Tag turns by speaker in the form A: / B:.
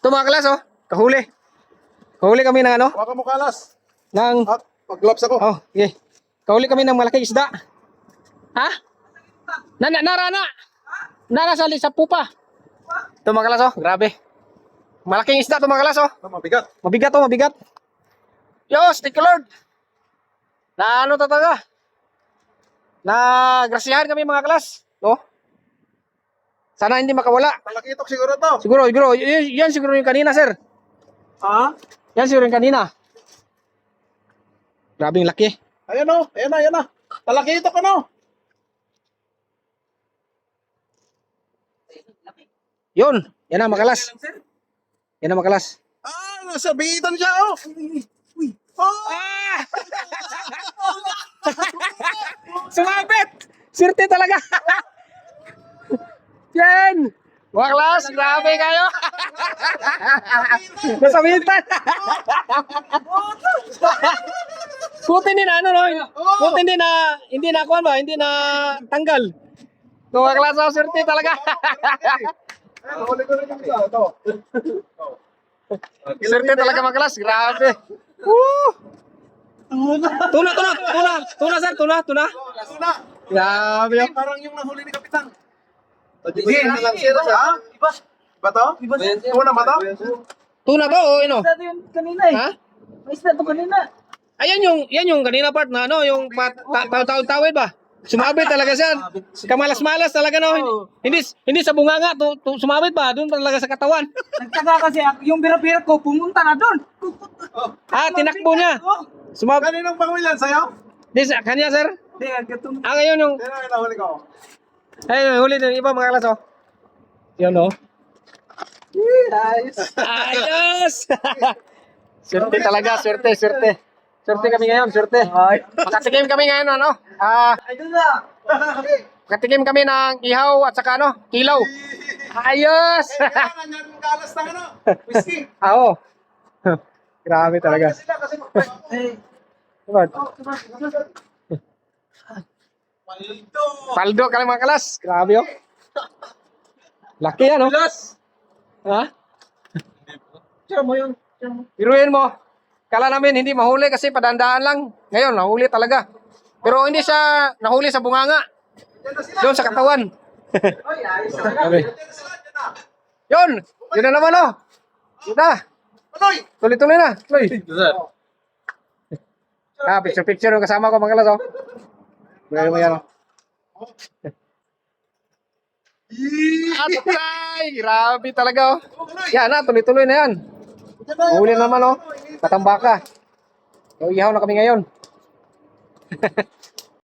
A: Ito mga kalas, oh. Kahuli. Kahuli kami ng ano?
B: Huwag ka mo kalas.
A: Ng...
B: At mag-gloves ako.
A: Oh, okay. Kahuli kami ng malaking isda. Ha? Narana. Nara sa pupa. Ito mga kalas, oh. Grabe. Malaking isda ito mga kalas, oh.
B: Ito, mabigat.
A: Mabigat, oh. Mabigat. Yos, thank you Lord. Na ano talaga? Na grasyahan kami mga kalas. Oh. Sana hindi makawala.
B: Malakitok siguro to.
A: Siguro. Yan siguro yung kanina, sir.
B: Ha?
A: Yan siguro yung kanina. Grabing laki.
B: Ayan o. Ayan na. Malakitok ano?
A: Yun. Yan na, makalas. Yan na, makalas.
B: Ah, nasa bitan siya oh. Uy. Oh.
A: Ah! Sumabit! Sirte talaga. Yan! Mga klas, grabe kayo. Nasabitan. Buti din ano no? Buti din na hindi na kuan ba? Hindi na tanggal. Mga klas, oh, sirte talaga.
B: Huli ko rin yung isa. Ito.
A: Sirte talaga mga klas, grabe. Woo! Tuna sir, tuna.
B: Tuna.
A: Grabe yun.
B: Parang yung nahuli ni Kapitan. Sige, lang siya. Iba. Iba to? Tuna ba to?
A: Tuna ba o ano?
C: Isda to yung kanina eh.
A: Ha?
C: May isda to kanina.
A: Ayan yan yung kanina part na ano, yung tawid ba? Sumabit talaga siya. Kamalas-malas talaga no. Hindi sa bunganga sumabit ba? Doon talaga sa katawan.
C: Nagtaga kasi yung bira-bira ko pumunta na doon.
A: Ah, tinakbo niya. Sumabit.
B: Kaninong pangwilan sa'yo?
A: Di sa kanya sir.
C: Hindi, gatong...
A: Ah, ngayon yung
B: Sino yung nahuli ko?
A: ay huli din iba mga kalas oh. Yan oh.
C: Ayos.
A: Ayos. Swerte talaga, swerte. Swerte kami ngayon, swerte. Makatikim kami ngayon ano?
C: Ay, doon na.
A: Makatikim kami ng ihaw at saka ano, kilaw. Ayos.
B: Kailangan yan yung kalas ng ano? Whiskey.
A: Oo. Grabe talaga.
B: Sila kasi
C: Eh,
A: Diba?
B: Paldo.
A: Paldo ka lang mga kalas. Grabe oh. Laki yan oh. Ha?
C: tira mo yun.
A: Biruin mo. Kala namin hindi mahuli kasi padandaan lang. Ngayon, nahuli talaga. Pero hindi siya nahuli sa bunganga. Doon sa katawan.
C: Ay, ayos.
A: Grabe. Yun! Yun na naman oh. Yun na.
B: Panoy!
A: Tuloy-tuloy na. Tuloy. Ah, picture yung kasama ko mga kalas oh. Biruin mo yan oh. Atay! Grabe talaga oh. Yan na, tuloy-tuloy na yan. Huli na naman oh. Patambaka. So, ihaw na kami ngayon.